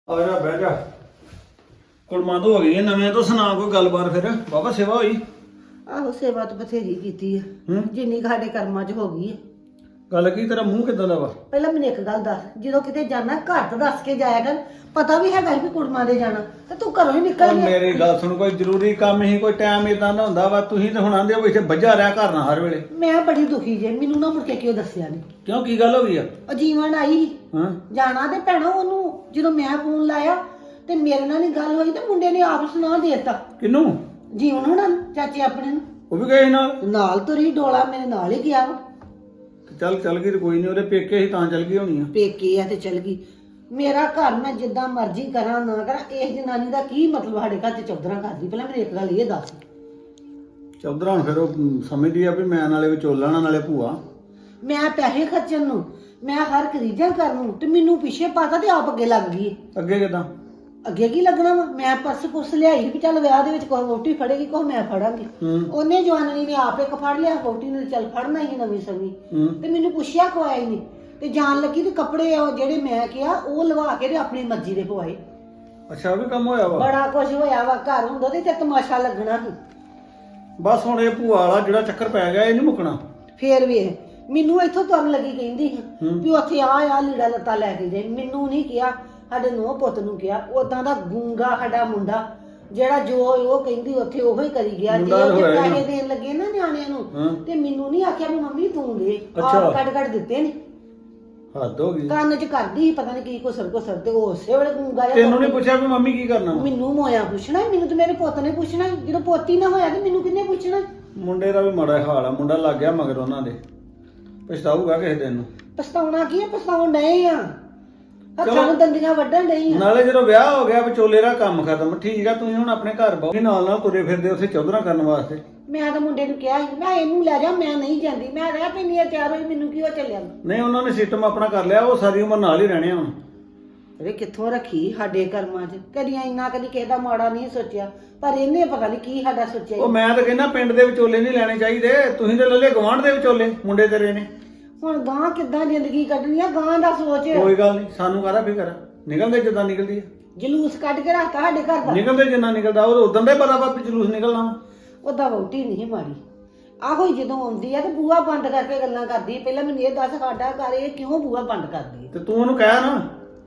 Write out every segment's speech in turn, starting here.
ਆ ਜਾ ਬਹਿ ਜਾ ਕੁੜਮਾਂ ਤੋਂ ਹੋ ਗਈ ਨਵੇਂ ਤੋਂ ਸੁਣਾ ਕੋਈ ਗੱਲਬਾਤ ਫਿਰ ਬਾਬਾ ਸੇਵਾ ਹੋਈ ਆਹੋ ਸੇਵਾ ਤਾਂ ਬਥੇਰੀ ਕੀਤੀ ਆ ਹੂੰ ਜਿੰਨੀ ਕੁ ਸਾਡੇ ਕਰਮਾਂ 'ਚ ਹੋ ਗਈ ਆ। ਗੱਲ ਕੀ ਤੇਰਾ ਮੂੰਹ ਕਿੱਦਾਂ ਦਾ ਵਾ ਪਹਿਲਾਂ ਮੈਨੂੰ ਇੱਕ ਗੱਲ ਦੱਸ, ਜਦੋਂ ਕਿਤੇ ਜਾਣਾ ਘਰ ਤਾਂ ਦੱਸ ਕੇ ਜਾਇਆ ਕਰ। ਪਤਾ ਵੀ ਹੈਗਾ ਵੀ ਕੁੜਮਾਂ ਦੇ ਜਾਣਾ ਤੇ ਤੂੰ ਘਰੋਂ ਹੀ ਨਿਕਲ ਉਹ ਗਿਆ। ਮੇਰੀ ਗੱਲ ਸੁਣ ਕੋਈ ਜ਼ਰੂਰੀ ਕੰਮ ਹੀ ਕੋਈ ਟਾਈਮ ਇਦਾਂ ਦਾ ਹੁੰਦਾ ਵਾ ਤੁਸੀਂ ਤਾਂ ਹੁਣ ਆਂਦੇ ਹੋ ਵੀ ਇੱਥੇ ਵੱਜਾ ਰਿਹਾ ਘਰ ਨਾ ਹਰ ਵੇਲੇ ਮੈਂ ਬੜੀ ਦੁਖੀ ਜੇ, ਮੈਨੂੰ ਨਾ ਮੁੜ ਕੇ ਕਿਉਂ ਦੱਸਿਆ ਨਹੀਂ। ਕਿਉਂ ਕੀ ਗੱਲ ਹੋ ਗਈ ਆ ਉਹ ਜੀਵਨ ਆਈ ਹਾਂ ਜਾਣਾ ਤੇ ਭੈਣਾ ਉਹਨੂੰ ਜਦੋਂ ਮੈਂ ਫੋਨ ਲਾਇਆ ਤੇ ਮੇਰੇ ਨਾਲ ਹੀ ਗੱਲ ਹੋਈ ਤੇ ਮੁੰਡੇ ਨੇ ਆਪ ਸੁਣਾ ਦੇਤਾ ਕਿਨੂੰ ਜੀਵਨ ਹੋਣਾ ਨੂੰ, ਚਾਚੇ ਆਪਣੇ ਨੂੰ ਉਹ ਵੀ ਗਏ ਨਾਲ ਨਾਲ ਤੁਰੀ ਡੋਲਾ ਮੇਰੇ ਨਾਲ ਹੀ ਗਿਆ ਵਾ। ਚੱਲ ਗਈ ਤੇ ਕੋਈ ਨਹੀਂ ਉਹਦੇ ਪੇਕੇ ਹੀ ਤਾਂ ਚੱਲ ਗਈ ਹੋਣੀ ਆ ਪੇਕੇ ਆ ਤੇ ਚਲ ਗਈ। ਮੇਰਾ ਘਰ ਮੈਂ ਜਿੱਦਾਂ ਮਰਜ਼ੀ ਕਰਾਂ ਨਾ ਕਰਾਂ, ਇਸ ਜਨਾਨੀ ਦਾ ਕੀ ਮਤਲਬ ਸਾਡੇ ਘਰ 'ਚ ਚੌਧਰਾਂ ਕਰਦੀ। ਪਹਿਲਾਂ ਮੈਨੂੰ ਇੱਕ ਗੱਲ ਇਹ ਦੱਸ। ਚੌਧਰਾ ਹੁਣ ਫਿਰ ਉਹ ਸਮਝਦੀ ਆ ਵੀ ਮੈਂ ਨਾਲੇ ਵਿਚੋਲਣਾ ਨਾਲੇ ਭੂਆ ਮੈਂ ਪੈਸੇ ਖਰਚਣ ਨੂੰ, ਮੈਂ ਹਰ ਖਰੀਦਾਂ ਕਰਨ ਨੂੰ ਤੇ ਮੈਨੂੰ ਪਿੱਛੇ ਪਾਤਾ ਤੇ ਆਪ ਅੱਗੇ ਲੱਗ ਗਈ। ਅੱਗੇ ਕਿਦਾਂ ਅੱਗੇ ਕੀ ਲੱਗਣਾ ਵਾ? ਮੈਂ ਪਰਸ ਪੁਰਸ ਲਿਆਈ ਵੀ ਚੱਲ ਵਿਆਹ ਦੇ ਵਿੱਚ ਕੋਈ ਵੋਟੀ ਫੜੇਗੀ ਕੋਈ ਮੈਂ ਫੜਾਂਗੀ। ਉਹਨੇ ਜਵਾਨੀ ਨੇ ਆਪ ਇੱਕ ਫੜ ਲਿਆ, ਵੋਟੀ ਨੇ ਚੱਲ ਫੜਨਾ ਹੀ ਨਵੀਂ ਸਵੀ ਤੇ ਮੈਨੂੰ ਪੁੱਛਿਆ ਕੋਈ ਆਈ ਨਹੀਂ ਤੇ ਜਾਣ ਲੱਗੀ ਤੇ ਕੱਪੜੇ ਉਹ ਜਿਹੜੇ ਮੈਂ ਕਿਹਾ ਉਹ ਲਵਾ ਕੇ ਤੇ ਆਪਣੀ ਮਰਜ਼ੀ ਦੇ ਪਵਾਏ। ਅੱਛਾ ਉਹ ਵੀ ਕੰਮ ਹੋਇਆ ਵਾ ਬੜਾ ਕੁਝ ਹੋਇਆ ਵਾ। ਘਰ ਹੁੰਦਾ ਤੇ ਤਮਾਸ਼ਾ ਲੱਗਣਾ ਸੀ। ਬਸ ਹੁਣ ਇਹ ਭੂਆ ਵਾਲਾ ਜਿਹੜਾ ਚੱਕਰ ਪੈ ਗਿਆ ਇਹ ਨਹੀਂ ਮੁੱਕਣਾ ਫੇਰ ਵੀ ਮੈਨੂੰ ਇੱਥੋਂ ਤੁਰਨ ਲੱਗੀ ਕਹਿੰਦੀ ਵੀ ਉੱਥੇ ਆ ਲੀੜਾ ਲੱਤਾ ਲੈ ਕੇ ਜਾਈ। ਮੈਨੂੰ ਨਹੀਂ ਕਿਹਾ, ਸਾਡੇ ਨੂੰਹ ਪੁੱਤ ਨੂੰ ਕਿਹਾ। ਉਦਾਂ ਦਾ ਗੂੰਗਾ ਸਾਡਾ ਮੁੰਡਾ ਜਿਹੜਾ ਜੋ ਉਹ ਕਹਿੰਦੀ ਉੱਥੇ ਉਹੋ ਹੀ ਕਰੀ ਗਿਆ। ਜੇ ਉਹ ਪੈਸੇ ਦੇਣ ਲੱਗੇ ਨਾ ਨਿਆਣਿਆਂ ਨੂੰ ਤੇ ਮੈਨੂੰ ਨਹੀਂ ਆਖਿਆ ਵੀ ਮੰਮੀ ਤੂੰ ਦੇ, ਆਪ ਕੱਢ ਦਿੱਤੇ ਨੇ। ਹੱਦ ਹੋ ਗਈ। ਕੰਨ 'ਚ ਕਰਦੀ ਪਤਾ ਨਹੀਂ ਕੀ ਕੁਸਰ ਤੇ ਉਹ ਉਸੇ ਵੇਲੇ ਗੂੰਗਾ ਜਿਹਾ। ਤੈਨੂੰ ਨਹੀਂ ਪੁੱਛਿਆ ਵੀ ਮੰਮੀ ਕੀ ਕਰਨਾ ਮੈਨੂੰ ਮੋਇਆ ਪੁੱਛਣਾ, ਮੈਨੂੰ ਤੇ ਮੇਰੇ ਪੁੱਤ ਨੇ ਪੁੱਛਣਾ। ਜਦੋਂ ਪੋਤੀ ਨਾ ਹੋਇਆ ਤੇ ਮੈਨੂੰ ਕਿਹਨੇ ਪੁੱਛਣਾ? ਮੁੰਡੇ ਦਾ ਵੀ ਮਾੜਾ ਹਾਲ ਆ, ਮੁੰਡਾ ਲੱਗ ਗਿਆ ਮਗਰ ਉਹਨਾਂ ਦੇ, ਪਛਤਾਊਗਾ ਕਿਸੇ ਦਿਨ ਨੂੰ। ਪਛਤਾਉਣਾ ਕੀ ਹੈ? ਪਛਤਾਉਣ ਡਏ ਆ, ਹੱਥਾਂ ਨੂੰ ਦੰਦੀਆਂ ਵੱਢਣ ਡਈ ਆ। ਨਾਲੇ ਜਦੋਂ ਵਿਆਹ ਹੋ ਗਿਆ ਵਿਚੋਲੇ ਦਾ ਕੰਮ ਖਤਮ। ਠੀਕ ਆ ਤੁਸੀਂ ਹੁਣ ਆਪਣੇ ਘਰ ਬਹੁ ਨਾਲ ਤੁਰੇ ਫਿਰਦੇ ਉੱਥੇ ਚੌਧਰਾ ਕਰਨ ਵਾਸਤੇ। ਮੈਂ ਤਾਂ ਮੁੰਡੇ ਨੂੰ ਕਿਹਾ ਸੀ ਮੈਂ ਇਹਨੂੰ ਲੈ ਜਾ, ਮੈਂ ਨਹੀਂ ਜਾਂਦੀ। ਮੈਂ ਰਹਿ ਪੈਂਦੀ ਆ ਤਿਆਰ ਹੋਈ, ਮੈਨੂੰ ਕੀ ਹੋ ਚੱਲਿਆ। ਨਹੀਂ ਉਹਨਾਂ ਨੇ ਸਿਸਟਮ ਆਪਣਾ ਕਰ ਲਿਆ, ਉਹ ਸਾਰੀ ਉਮਰ ਨਾਲ ਹੀ ਰਹਿਣੇ ਹੁਣ। ਅਰੇ ਕਿੱਥੋਂ ਰੱਖੀ ਸਾਡੇ ਕਰਮਾਂ 'ਚ। ਕਦੀ ਇੰਨਾ ਕਦੀ ਕਿਸੇ ਦਾ ਮਾੜਾ ਨਹੀਂ ਸੋਚਿਆ, ਪਰ ਇਹਨੇ ਪਤਾ ਨਹੀਂ ਕੀ ਸਾਡਾ ਸੋਚਿਆ। ਉਹ ਮੈਂ ਤਾਂ ਕਹਿੰਦਾ ਪਿੰਡ ਦੇ ਵਿਚੋਲੇ ਨਹੀਂ ਲੈਣੇ ਚਾਹੀਦੇ, ਤੁਸੀਂ ਤਾਂ ਲੱਲੇ ਗਵਾਂਢ ਦੇ ਵਿਚੋਲੇ ਮੁੰਡੇ ਤੇਰੇ ਨੇ। ਹੁਣ ਗਾਂ ਕਿੱਦਾਂ ਜ਼ਿੰਦਗੀ ਕੱਢਣੀ ਆ, ਗਾਂ ਦਾ ਸੋਚ। ਕੋਈ ਗੱਲ ਨਹੀਂ, ਸਾਨੂੰ ਕਾਹਦਾ ਫਿਕਰ, ਨਿਕਲਦੇ ਜਿੱਦਾਂ ਨਿਕਲਦੀ ਆ। ਜਲੂਸ ਕੱਢ ਕੇ ਰੱਖਤਾ ਸਾਡੇ ਘਰ ਦਾ। ਨਿਕਲਦੇ ਜਿੰਨਾ ਨਿਕਲਦਾ ਉਹ ਉਦੋਂ ਦਾ ਹੀ ਪਤਾ ਵਾ ਵੀ ਜਲੂਸ ਨਿਕਲਣਾ ਵਾ। ਉਹਦਾ ਵਹੁਟੀ ਨਹੀਂ ਮਾੜੀ। ਆਹੋ ਹੀ ਜਦੋਂ ਆਉਂਦੀ ਆ ਤੇ ਬੂਹਾ ਬੰਦ ਕਰਕੇ ਗੱਲਾਂ ਕਰਦੀ। ਪਹਿਲਾਂ ਮੈਨੂੰ ਇਹ ਦੱਸ ਸਾਡਾ ਘਰ ਇਹ ਕਿਉਂ ਬੂਹਾ ਬੰਦ ਕਰਦੀ ਹੈ? ਤੇ ਤੂੰ ਉਹਨੂੰ ਕਹਿ ਨਾ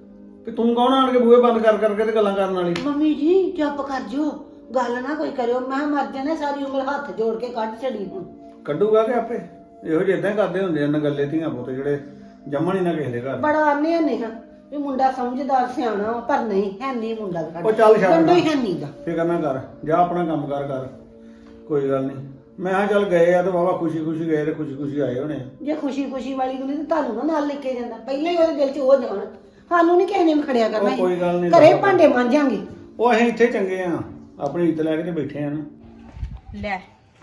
ਕਿ ਤੂੰ ਕੌਣ ਆਣ ਕੇ ਬੂਹੇ ਬੰਦ ਕਰ ਕਰਕੇ ਤੇ ਗੱਲਾਂ ਕਰਨ ਵਾਲੀ। ਮੰਮੀ ਜੀ ਚੁੱਪ ਕਰ ਜੋ, ਗੱਲ ਨਾ ਕੋਈ ਕਰਿਓ। ਮੈਂ ਮਰ ਜਾਣਾ, ਸਾਰੀ ਉਮਰ ਹੱਥ ਜੋੜ ਕੇ ਕੱਢ ਛੜੀ। ਹੁਣ ਕੱਢੂਗਾ ਕਿ ਆਪੇ ਇਹੋ ਜਿਹੇ ਇਦਾਂ ਕਰਦੇ ਹੁੰਦੇ ਆ ਨਗੱਲੇ ਧੀਆਂ ਪੁੱਤ ਜਿਹੜੇ ਜੰਮਣ ਹੀ ਨਾ ਕਿਸੇ ਦੇ ਘਰ। ਬੜਾ ਆਨੇ ਨਹੀਂ ਵੀ ਮੁੰਡਾ ਸਮਝਦਾਰ ਸਿਆਣਾ, ਪਰ ਨਹੀਂ ਹੈ ਨਹੀਂ ਮੁੰਡਾ ਸਾਡਾ। ਉਹ ਚੱਲ ਛੱਡ ਮੁੰਡਾ ਹੀ ਹੈ ਨਹੀਂ ਦਾ। ਫਿਕਰ ਨਾ ਕਰ, ਜਾ ਆਪਣਾ ਕੰਮ ਕਰ ਕੋਈ ਗੱਲ ਨਹੀਂ। ਮੈਂ ਕਿਹਾ ਚੱਲ ਗਏ ਆ ਤੇ ਬਾਬਾ ਖੁਸ਼ੀ ਗਏ ਤੇ ਖੁਸ਼ੀ ਆਏ ਹੋਣੇ। ਜੇ ਖੁਸ਼ੀ ਵਾਲੀ ਹੁੰਦੀ ਤਾਂ ਤੁਹਾਨੂੰ ਨਾ ਨਾਲ ਲੈ ਕੇ ਜਾਂਦਾ। ਪਹਿਲਾਂ ਹੀ ਉਹਦੇ ਦਿਲ 'ਚ ਉਹ ਜਾਣ, ਸਾਨੂੰ ਨਹੀਂ ਕਿਸੇ ਨੇ ਖੜਿਆ ਕਰਨਾ। ਕੋਈ ਗੱਲ ਨਹੀਂ, ਘਰੇ ਭਾਂਡੇ ਮਾਂਜਾਂਗੇ। ਉਹ ਅਸੀਂ ਇੱਥੇ ਚੰਗੇ ਆ, ਆਪਣੀ ਇੱਜ਼ਤ ਲੈ ਕੇ ਤੇ ਬੈਠੇ ਆ ਨਾ। ਲੈ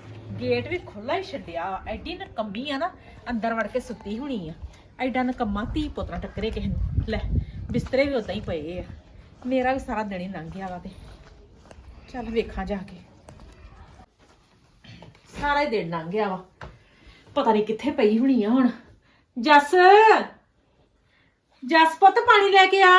ਗੇਟ ਵੀ ਖੁੱਲਾ ਹੀ ਛੱਡਿਆ। ਐਡੀ ਨਕੰਮੀ ਆ ਨਾ, ਅੰਦਰ ਵੜ ਕੇ ਸੁੱਤੀ ਹੋਣੀ ਆ। ਐਡਾ ਨਕੰਮਾ ਧੀ ਪੁੱਤਰਾ ਟੱਕਰੇ ਕਿਸੇ ਨੂੰ। ਲੈ ਬਿਸਤਰੇ ਵੀ ਉਦਾਂ ਹੀ ਪਏ ਆ। ਮੇਰਾ ਵੀ ਸਾਰਾ ਦਿਨ ਹੀ ਲੰਘ ਗਿਆ ਵਾ ਤੇ ਚੱਲ ਵੇਖਾਂ ਜਾ ਕੇ। ਸਾਰਾ ਹੀ ਦਿਨ ਲੰਘ ਗਿਆ ਵਾ, ਪਤਾ ਨਹੀਂ ਕਿੱਥੇ ਪਈ ਹੋਣੀ ਆ ਹੁਣ। ਜੱਸ ਪੁੱਤ ਪਾਣੀ ਲੈ ਕੇ ਆ।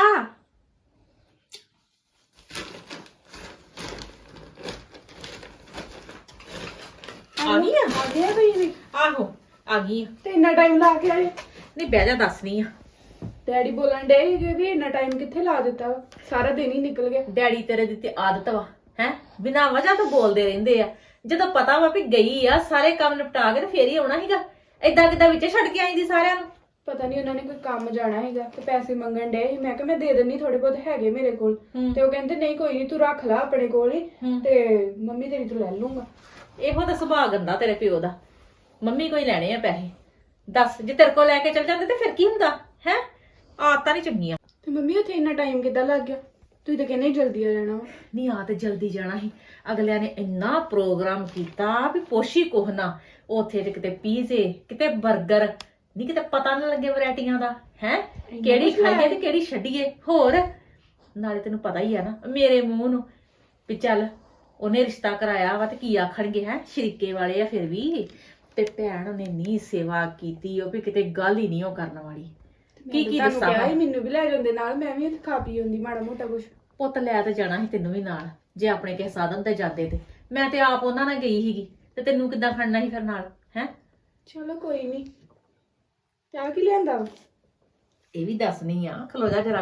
ਆ ਗਈ ਆ? ਆ ਗਿਆ ਤੁਸੀਂ? ਆਹੋ ਆ ਗਈ ਆ। ਤੇ ਇੰਨਾ ਟਾਈਮ ਲਾ ਕੇ ਆਏ? ਨਹੀਂ ਬਹਿ ਜਾ, ਦੱਸਣੀ ਆ। ਡੈਡੀ ਬੋਲਣ ਡੇ ਸੀਗੇ ਵੀ ਇੰਨਾ ਟਾਈਮ ਕਿੱਥੇ ਲਾ ਦਿੱਤਾ ਵਾ? ਸਾਰਾ ਦਿਨ ਹੀ ਨਿਕਲ ਗਿਆ। ਡੈਡੀ ਤੇਰੇ ਦੀ ਤੇ ਆਦਤ ਵਾ ਹੈ, ਬਿਨਾਂ ਵਜ੍ਹਾ ਤੋਂ ਬੋਲਦੇ ਰਹਿੰਦੇ ਆ। ਜਦੋਂ ਪਤਾ ਵਾ ਵੀ ਗਈ ਆ, ਸਾਰੇ ਕੰਮ ਨਿਪਟਾ ਕੇ ਤੇ ਫੇਰ ਹੀ ਆਉਣਾ ਸੀਗਾ। ਏਦਾਂ ਕਿੱਦਾਂ ਵਿੱਚ ਛੱਡ ਕੇ ਆਈਂਦੀ ਸਾਰਿਆਂ ਨੂੰ? ਪਤਾ ਨਹੀਂ ਉਹਨਾਂ ਨੇ ਕੋਈ ਕੰਮ ਜਾਣਾ ਹੈਗਾ ਤੇ ਪੈਸੇ ਮੰਗਣ ਡੇ ਸੀ। ਮੈਂ ਕਿਹਾ ਮੈਂ ਦੇ ਦਿੰਨੀ, ਥੋੜੇ ਬਹੁਤ ਹੈਗੇ ਮੇਰੇ ਕੋਲ। ਤੇ ਉਹ ਕਹਿੰਦੇ ਨਹੀਂ ਕੋਈ ਨਹੀਂ, ਤੂੰ ਰੱਖ ਲੈ ਆਪਣੇ ਕੋਲ ਹੀ ਤੇ ਮੰਮੀ ਤੇਰੀ ਤੋਂ ਲੈ ਲੂੰਗਾ। ਇਹੋ ਤਾਂ ਸੁਭਾਅ ਗੰਦਾ ਤੇਰੇ ਪਿਓ ਦਾ। ਮੰਮੀ ਕੋਈ ਲੈਣੇ ਆ ਪੈਸੇ? ਦੱਸ, ਜੇ ਤੇਰੇ ਕੋਲ ਲੈ ਕੇ ਚਲ ਜਾਂਦੇ ਤੇ ਫਿਰ ਕੀ ਹੁੰਦਾ ਹੈ? ਆਦਤਾਂ ਨਹੀਂ ਚੰਗੀਆਂ। ਤੇ ਮੰਮੀ ਉੱਥੇ ਇੰਨਾ ਟਾਈਮ ਕਿੱਦਾਂ ਲੱਗ ਗਿਆ? ਤੁਸੀਂ ਤਾਂ ਕਹਿੰਦੇ ਜਲਦੀ ਆ ਜਾਣਾ ਵਾ। ਨਹੀਂ ਆ ਤੇ ਜਲਦੀ ਜਾਣਾ ਸੀ। ਅਗਲਿਆਂ ਨੇ ਇੰਨਾ ਪ੍ਰੋਗਰਾਮ ਕੀਤਾ ਵੀ ਪੋਸ਼ੀ ਕੋਹ ਨਾ। ਉੱਥੇ ਤੇ ਕਿਤੇ ਪੀਜ਼ੇ, ਕਿਤੇ 버ਗਰ, ਨਹੀਂ ਕਿਤੇ ਪਤਾ ਨਾ ਲੱਗੇ ਵੈਰਾਈਟੀਆਂ ਦਾ ਹੈ ਕਿਹੜੀ ਖਾਈਏ ਤੇ ਕਿਹੜੀ ਛੱਡੀਏ। ਹੋਰ ਨਾਲੇ ਤੈਨੂੰ ਪਤਾ ਹੀ ਆ ਨਾ ਮੇਰੇ ਮੂੰਹ ਨੂੰ ਵੀ ਚੱਲ ਉਹਨੇ ਰਿਸ਼ਤਾ ਕਰਾਇਆ ਵਾ ਤੇ ਕੀ ਆਖਣਗੇ ਹੈ, ਸ਼ਰੀਕੇ ਵਾਲੇ ਆ ਫਿਰ ਵੀ। ਤੇ ਭੈਣ ਨੇ ਨੀ ਸੇਵਾ ਕੀਤੀ ਉਹ ਵੀ ਕਿਤੇ ਗੱਲ ਹੀ ਨਹੀਂ ਉਹ ਕਰਨ ਵਾਲੀ। ਕੀ ਕੀ ਤੁਹਾਨੂੰ ਦੱਸਾਂ ਕਿਹਾ ਮੈਂ? ਸੀ ਮੈਨੂੰ ਵੀ ਲੈ ਜਾਂਦੇ ਨਾਲ, ਮੈਂ ਵੀ ਉੱਥੇ ਖਾ ਪੀ ਆਉਂਦੀ ਮਾੜਾ ਮੋਟਾ ਕੁਛ। ਪੁੱਤ ਲੈ ਤੇ ਜਾਣਾ ਸੀ ਤੈਨੂੰ ਵੀ ਨਾਲ, ਜੇ ਆਪਣੇ ਕਿਸੇ ਸਾਧਨ ਤੇ ਜਾਂਦੇ ਤੇ। ਮੈਂ ਤੇ ਆਪ ਉਹਨਾਂ ਨਾਲ ਗਈ ਸੀਗੀ, ਤੇ ਤੈਨੂੰ ਕਿੱਦਾਂ ਖੜਨਾ ਸੀ ਫਿਰ ਨਾਲ ਹੈ? ਚਲੋ ਕੋਈ ਨਹੀਂ। ਚਾਹ ਕੀ ਲਿਆਂਦਾ ਵਾ? ਇਹ ਵੀ ਦੱਸਣੀ ਆ, ਖਲੋ ਜਾ ਜਰਾ।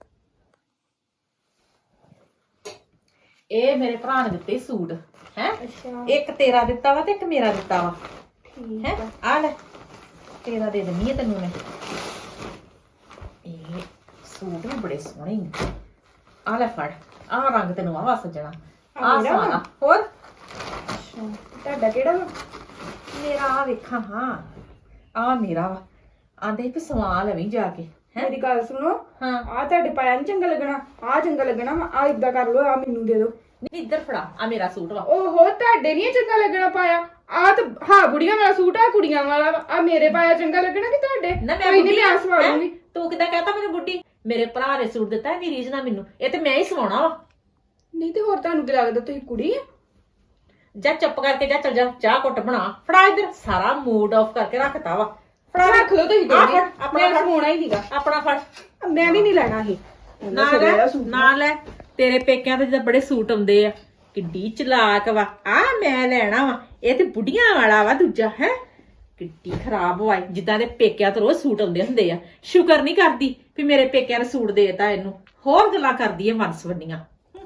ਇਹ ਮੇਰੇ ਭਰਾ ਨੇ ਦਿੱਤੇ ਸੂਟ ਹੈ, ਅੱਛਾ ਇੱਕ ਤੇਰਾ ਦਿੱਤਾ ਵਾ ਤੇ ਇੱਕ ਮੇਰਾ ਦਿੱਤਾ ਵਾ ਠੀਕ ਹੈ। ਆ। ਆ ਲੈ, ਤੇਰਾ ਦੇ ਦਿੰਨੀ ਆ ਤੈਨੂੰ ਮੈਂ। ਇਹ ਸੂਟ ਵੀ ਬੜੇ ਸੋਹਣੇ ਨੇ। ਆ ਲੈ ਫੜ, ਆਹ ਰੰਗ ਤੈਨੂੰ ਆਵਾ ਸੱਜਣਾ, ਆ ਮੇਰਾ ਵਾ? ਸਾਰਾ। ਹੋਰ ਅੱਛਾ ਤੁਹਾਡਾ ਕਿਹੜਾ ਵਾ? ਮੇਰਾ ਆ ਵੇਖਾਂ, ਹਾਂ ਆ ਮੇਰਾ ਵਾ। ਆਂਦੇ ਵੀ ਸਵਾ ਲਵੀਂ ਜਾ ਕੇ ਹੈ। ਮੇਰੀ ਗੱਲ ਸੁਣੋ, ਹਾਂ ਆ ਤੁਹਾਡੇ ਪਾਇਆ ਨੀ ਚੰਗਾ ਲੱਗਣਾ, ਆ ਚੰਗਾ ਲੱਗਣਾ ਵਾ। ਆ ਇਦਾਂ ਕਰ ਲੋ, ਆ ਮੈਨੂੰ ਦੇ ਦਿਓ। ਨਹੀਂ ਇੱਧਰ ਫੜਾ, ਆ ਮੇਰਾ ਸੂਟ ਵਾ। ਓਹੋ ਤੁਹਾਡੇ ਨਹੀਂ ਚੰਗਾ ਲੱਗਣਾ ਪਾਇਆ। ਆ ਤਾਂ ਹਾਂ ਬੁੜੀਆਂ ਵਾਲਾ ਸੂਟ ਆ, ਕੁੜੀਆਂ ਵਾਲਾ ਵਾ। ਆ ਮੇਰੇ ਪਾਇਆ ਚੰਗਾ ਲੱਗਣਾ ਕਿ ਤੁਹਾਡੇ? ਨਾ ਮੈਂ ਕੋਈ ਬੁੱਢੀ ਨਹੀਂ, ਮੈਂ ਸਵਾ ਹੈਂ? ਲੂੰਗੀ। ਤੂੰ ਕਿੱਦਾਂ ਕਹਤਾ ਮੈਨੂੰ ਬੁੱਢੀ? ਮੇਰੇ ਭਰਾ ਨੇ ਸੂਟ ਦਿੱਤਾ, ਇਹਦੀ ਰੀਝ ਨਾ ਮੈਨੂੰ, ਇਹ ਤੇ ਮੈਂ ਹੀ ਸਵਾਉਣਾ ਵਾ। ਨਹੀਂ ਤੇ ਹੋਰ ਤੁਹਾਨੂੰ ਕੀ ਲੱਗਦਾ ਤੁਸੀਂ ਕੁੜੀ ਆ? ਜਾ ਚੁੱਪ ਕਰਕੇ ਜਾ, ਚੱਲ ਜਾ, ਚਾਹ ਘੁੱਟ ਬਣਾ। ਫੜਾ ਇੱਧਰ, ਸਾਰਾ ਮੂਡ ਆਫ ਕਰਕੇ ਰੱਖਤਾ ਵਾ। ਫੜਾ ਰੱਖ ਲਓ ਤੁਸੀਂ ਆਹ ਦੋਨੇ, ਫੜ, ਆਪਣਾ ਮੈਂ ਫੜ। ਸਵਾਉਣਾ ਹੀ ਨਹੀਂਗਾ। ਆਪਣਾ ਫੜ। ਮੈਂ ਵੀ ਨਹੀਂ ਲੈਣਾ ਇਹ ਨਾ ਲੈ, ਨਾ ਲੈ। ਤੇਰੇ ਪੇਕਿਆਂ ਤੇ ਜਿੱਦਾਂ ਬੜੇ ਸੂਟ ਆਉਂਦੇ ਆ, ਕਿੱਡੀ ਚਲਾਕ ਵਾ। ਆ ਮੈਂ ਲੈਣਾ ਵਾ, ਇਹ ਤੇ ਬੁੱਢੀਆਂ ਵਾਲਾ ਵਾ ਦੂਜਾ ਹੈ। ਕਿੱਡੀ ਖਰਾਬ ਹੋਈ, ਜਿੱਦਾਂ ਦੇ ਪੇਕਿਆਂ ਤੋਂ ਰੋਜ਼ ਸੂਟ ਆਉਂਦੇ ਹੁੰਦੇ ਆ। ਸ਼ੁਕਰ ਨਹੀਂ ਕਰਦੀ ਵੀ ਮੇਰੇ ਪੇਕਿਆਂ ਨੇ ਸੂਟ ਦੇਤਾ ਇਹਨੂੰ, ਹੋਰ ਗੱਲਾਂ ਕਰਦੀ ਐ ਵੰਸਵੰਨੀਆਂ।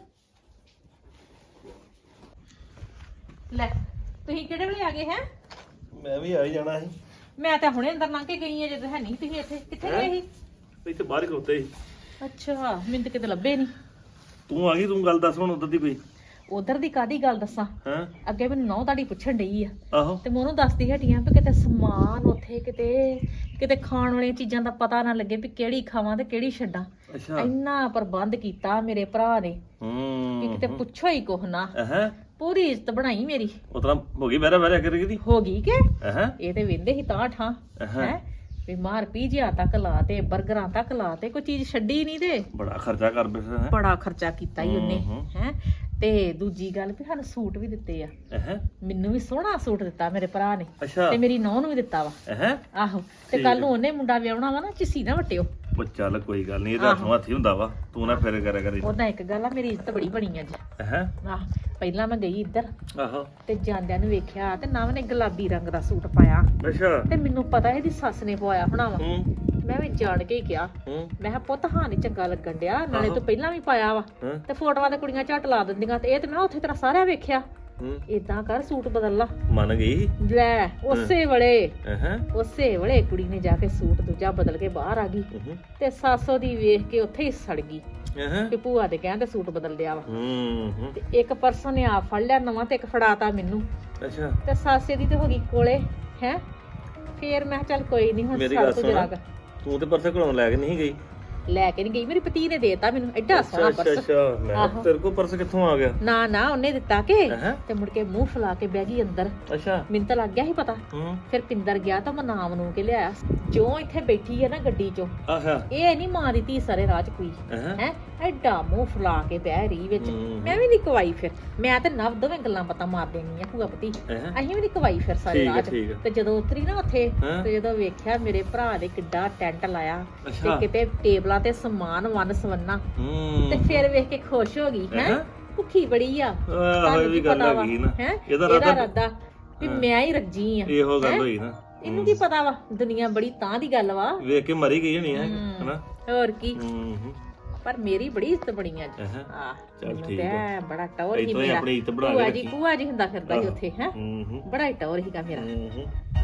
ਲੈ ਤੁਸੀਂ ਕਿਹੜੇ ਵੇਲੇ ਆ ਗਏ ਹੈ? ਮੈਂ ਵੀ ਆ ਹੀ ਜਾਣਾ ਸੀ। ਮੈਂ ਤਾਂ ਹੁਣੇ ਅੰਦਰ ਲੰਘ ਕੇ ਗਈ ਆ, ਜਦੋਂ ਹੈ ਨਹੀਂ ਤੁਸੀਂ ਇੱਥੇ। ਕਿੱਥੇ ਗਏ ਸੀ? ਇੱਥੇ ਬਾਹਰ ਹੀ ਖਲੋਤੇ ਸੀ। ਅੱਛਾ, ਮੈਨੂੰ ਤਾਂ ਕਿਤੇ ਲੱਭੇ ਨਹੀਂ। ਤੂੰ ਆ ਗਈ, ਤੂੰ ਗੱਲ ਦੱਸ ਹੁਣ ਉਧਰ ਦੀ ਕੋਈ। ਉਧਰ ਦੀ ਕਾਦੀ ਗੱਲ ਦੱਸਾਂ? ਹਾਂ ਅੱਗੇ ਮੈਨੂੰ ਨਹੁੰ ਤੁਹਾਡੀ ਪੁੱਛਣ ਡਈ ਆ, ਆਹੋ ਤੇ ਮੈਂ ਉਹਨੂੰ ਦੱਸਦੀ ਹਟੀਆਂ ਵੀ ਕਿਤੇ ਸਮਾਨ ਉੱਥੇ ਕਿਤੇ ਖਾਣ ਵਾਲੀਆਂ ਚੀਜ਼ਾਂ ਦਾ ਪਤਾ ਨਾ ਲੱਗੇ ਵੀ ਕਿਹੜੀ ਖਾਵਾਂ ਤੇ ਕਿਹੜੀ ਛੱਡਾਂ। ਅੱਛਾ ਇੰਨਾ ਪ੍ਰਬੰਧ ਕੀਤਾ ਮੇਰੇ ਭਰਾ ਨੇ ਕਿ ਕਿਤੇ ਪੁੱਛੋ ਹੀ ਕੁਛ ਨਾ। ਹੈ ਪੂਰੀ ਇੱਜ਼ਤ ਬਣਾਈ ਮੇਰੀ। ਉਤਰਾ ਹੋ ਗਈ ਵੈਰਾ ਵੈਰਾ ਕਰੀ ਦੀ। ਹੋ ਗਈ ਕਿ ਹੈ ਇਹ ਤੇ ਵੇਂਦੇ ਹੀ ਤਾਂ ਠਾਂ ਹੈ ਵੀ ਮਾਰ ਪੀਜਿਆ ਤੱਕ ਲਾ ਤੇ ਬਰਗਰਾਂ ਤੱਕ ਲਾ ਤੇ ਕੋਈ ਚੀਜ਼ ਛੱਡੀ ਨਹੀਂ। ਤੇ ਬੜਾ ਖਰਚਾ ਕਰ ਬੈਠਾ ਹੈ। ਬੜਾ ਖਰਚਾ ਕੀਤਾ ਹੀ ਉਹਨੇ ਹੈ। ਤੇ ਦੂਜੀ ਗੱਲ ਵੀ ਸਾਨੂੰ ਸੂਟ ਵੀ ਦਿੱਤੇ ਆ। ਹੈ ਮੈਨੂੰ ਵੀ ਸੋਹਣਾ ਸੂਟ ਦਿੱਤਾ ਮੇਰੇ ਭਰਾ ਨੇ, ਅੱਛਾ ਤੇ ਮੇਰੀ ਨੌਂ ਨੂੰ ਵੀ ਦਿੱਤਾ ਵਾ। ਹੈ ਆਹੋ, ਤੇ ਕੱਲ ਨੂੰ ਉਹਨੇ ਮੁੰਡਾ ਵਿਆਹਣਾ ਵਾ ਨਾ, ਚਿੱਸੀ ਨਾ ਵਟਿਓ। ਉਹ ਚੱਲ ਕੋਈ ਗੱਲ ਨਹੀਂ, ਇਹਦਾ ਹੱਥੋਂ ਹੱਥੀ ਹੁੰਦਾ ਵਾ। ਤੂੰ ਨਾ ਫੇਰ ਕਰਿਆ ਕਰੀ। ਉਹਦਾ ਇੱਕ ਗੱਲ ਆ, ਮੇਰੀ ਇੱਜ਼ਤ ਬੜੀ ਬਣੀ ਅੱਜ। ਹੈ ਆਹ ਪਹਿਲਾਂ ਮੈਂ ਗਈ ਇੱਧਰ ਆਹੋ ਤੇ ਜਾਂਦਿਆਂ ਨੂੰ ਵੇਖਿਆ ਤੇ ਨਵ ਨੇ ਗੁਲਾਬੀ ਰੰਗ ਦਾ ਸੂਟ ਪਾਇਆ, ਅੱਛਾ ਤੇ ਮੈਨੂੰ ਪਤਾ ਇਹਦੀ ਸੱਸ ਨੇ ਪਵਾਇਆ ਹੋਣਾ ਵਾ। ਹੂੰ ਮੈਂ ਵੀ ਜਾਣ ਕੇ ਹੀ ਕਿਹਾ, ਹੂੰ ਮੈਂ ਕਿਹਾ ਪੁੱਤ ਹਾਂ ਨੀ ਚੰਗਾ ਲੱਗਣ ਡਿਆ, ਨਾਲੇ ਆਹੋ। ਤੂੰ ਪਹਿਲਾਂ ਵੀ ਪਾਇਆ ਵਾ ਹਾਂ ਤੇ ਫੋਟੋਆਂ ਤੇ ਕੁੜੀਆਂ ਝੱਟ ਲਾ ਦਿੰਦੀਆਂ, ਤੇ ਇਹ ਤੇ ਮੈਂ ਉੱਥੇ ਤੇਰਾ ਸਾਰਿਆਂ ਵੇਖਿਆ। ਹੂੰ ਏਦਾਂ ਕਰ, ਸੂਟ ਬਦਲ ਲਾ। ਮੰਨ ਗਈ। ਲੈ ਉਸੇ ਵੇਲੇ ਹੈ ਉਸੇ ਵੇਲੇ ਕੁੜੀ ਨੇ ਜਾ ਕੇ ਸੂਟ ਦੂਜਾ ਬਦਲ ਕੇ ਬਾਹਰ ਆ ਗਈ, ਤੇ ਸਾਸੋ ਦੀ ਵੇਖ ਕੇ ਉੱਥੇ ਹੀ ਸੜ ਗਈ ਹੈ ਕਿ ਭੂਆ ਦੇ ਕਹਿੰਦੇ ਸੂਟ ਬਦਲ ਲਿਆ ਵਾ। ਹੂੰ ਤੇ ਇੱਕ ਪਰਸਨ ਨੇ ਆ ਫੜ ਲਿਆ ਨਵਾਂ ਤੇ ਇੱਕ ਫੜਾਤਾ ਮੈਨੂੰ, ਅੱਛਾ ਤੇ ਸਾਸੇ ਦੀ ਤੇ ਹੋ ਗਈ ਕੋਲੇ ਹੈ। ਫੇਰ ਮੈਂ ਕਿਹਾ ਚੱਲ ਕੋਈ ਨਹੀਂ, ਹੁਣ ਮੇਰੀ ਸੜ ਗੱਲ ਤੋਂ ਸੁਣ, ਜਰਾ ਕੁ। ਤੂੰ ਤੇ ਪਰਸੇ ਘਲਾਉਣ ਲੈ ਕੇ ਨਹੀਂ ਗਈ। ਲੈ ਕੇ ਨਹੀਂ ਗਈ, ਮੇਰੀ ਪਤੀ ਨੇ ਦੇਤਾ ਮੈਨੂੰ ਐਡਾ ਸੋਹਣਾ ਅੱਛਾ ਪਰਸ। ਅੱਛਾ ਮੈਂ ਕਿਹਾ ਆਹੋ। ਤੇਰੇ ਕੋਲ ਪਰਸ ਕਿੱਥੋਂ ਆ ਗਿਆ। ਨਾ ਨਾ ਉਹਨੇ ਦਿੱਤਾ ਕਿ, ਹੈਂ? ਤੇ ਮੁੜ ਕੇ ਮੂੰਹ ਫੁਲਾ ਕੇ ਬਹਿ ਗਈ ਅੰਦਰ। ਅੱਛਾ ਮੈਨੂੰ ਤਾਂ ਲੱਗ ਗਿਆ ਸੀ ਪਤਾ। ਹੂੰ ਫਿਰ ਪਿੰਦਰ ਗਿਆ ਤਾਂ ਮੈਂ ਨਾਮ ਨੂੰ ਕੇ ਲਿਆਇਆ। ਜੋ ਇੱਥੇ ਬੈਠੀ ਹੈ ਨਾ ਗੱਡੀ 'ਚੋਂ, ਆਹਾ ਇਹ ਨਹੀਂ ਮਾਂ ਦੀ ਧੀ ਸਾਰੇ ਰਾਹ 'ਚ ਕੋਈ ਹੈ ਹੈ। ਐਡਾ ਮੂੰਹ ਫੁਲਾ ਕੇ ਬਹਿ ਰਹੀ ਵਿੱਚ। ਹੂੰ। ਮੈਂ ਵੀ ਨਹੀਂ ਕਵਾਈ, ਫਿਰ ਮੈਂ ਤੇ ਨਵ ਦੋਵੇਂ ਗੱਲਾਂ ਪਤਾ ਮਾਰ ਦੇਣੀਆਂ ਭੂਆ ਪਤੀ। ਅਸੀਂ ਵੀ ਨਹੀਂ ਕਵਾਈ ਫਿਰ ਸਾਰੇ ਠੀਕ ਹੈ, ਰਾਹ 'ਚ। ਠੀਕ ਹੈ। ਤੇ ਜਦੋਂ ਉਤਰੀ ਨਾ ਉੱਥੇ, ਹੈਂ? ਤੇ ਜਦੋਂ ਵੇਖਿਆ ਮੇਰੇ ਭਰਾ ਨੇ ਕਿੱਡਾ ਟੈਂਟ ਲਾਇਆ, ਤੇ ਅੱਛਾ। ਕਿਤੇ ਟੇਬਲਾਂ ਤੇ ਸਮਾਨ ਵੰਨ ਸਵੰਨਾ, ਹੂੰ ਤੇ ਫਿਰ ਵੇਖ ਕੇ ਖੁਸ਼ ਹੋ ਗਈ ਹੈ। ਹੈਂ? ਭੁੱਖੀ ਬੜੀ ਆ, ਆਹ ਇਹ ਵੀ ਗੱਲ ਆ ਗਈ ਨਾ। ਹੈ ਇਹਦਾ ਇਹਦਾ ਰਾਦਾ ਰੱਦਾ ਵੀ ਮੈਂ ਹੀ ਰੱਜੀ ਆ। ਇਹੋ ਗੱਲ ਹੈਂ? ਹੋਈ ਨਾ। ਇਹਨੂੰ ਕੀ ਪਤਾ ਵਾ, ਦੁਨੀਆ ਬੜੀ ਤਾਂ ਦੀ ਗੱਲ ਵਾ। ਵੇਖ ਕੇ ਮਰੀ ਗਈ ਹੋਣੀ ਹੈ ਹਨਾ। ਹੋਰ ਕੀ, ਹੂੰ ਪਰ ਮੇਰੀ ਬੜੀ ਇੱਜ਼ਤ ਬਣੀ ਅੱਜ। ਹੈਂ? ਆਹ ਚੱਲ ਮੈਨੂੰ ਠੀਕ ਤੇ ਆ। ਐਂ ਬੜਾ ਟੌਰ ਹੀ ਇੱਥੋਂ ਹੀ ਮੇਰਾ। ਆਪਣੀ ਇੱਜ਼ਤ ਬਣਾ ਕੇ ਭੂਆ ਜੀ ਰੱਖੀ। ਭੂਆ ਜੀ ਹੁੰਦਾ ਫਿਰਦਾ ਸੀ ਉੱਥੇ ਹੈ। ਹੂੰ ਬੜਾ ਹੀ ਟੌਰ ਹੀਗਾ ਮੇਰਾ। ਹੂੰ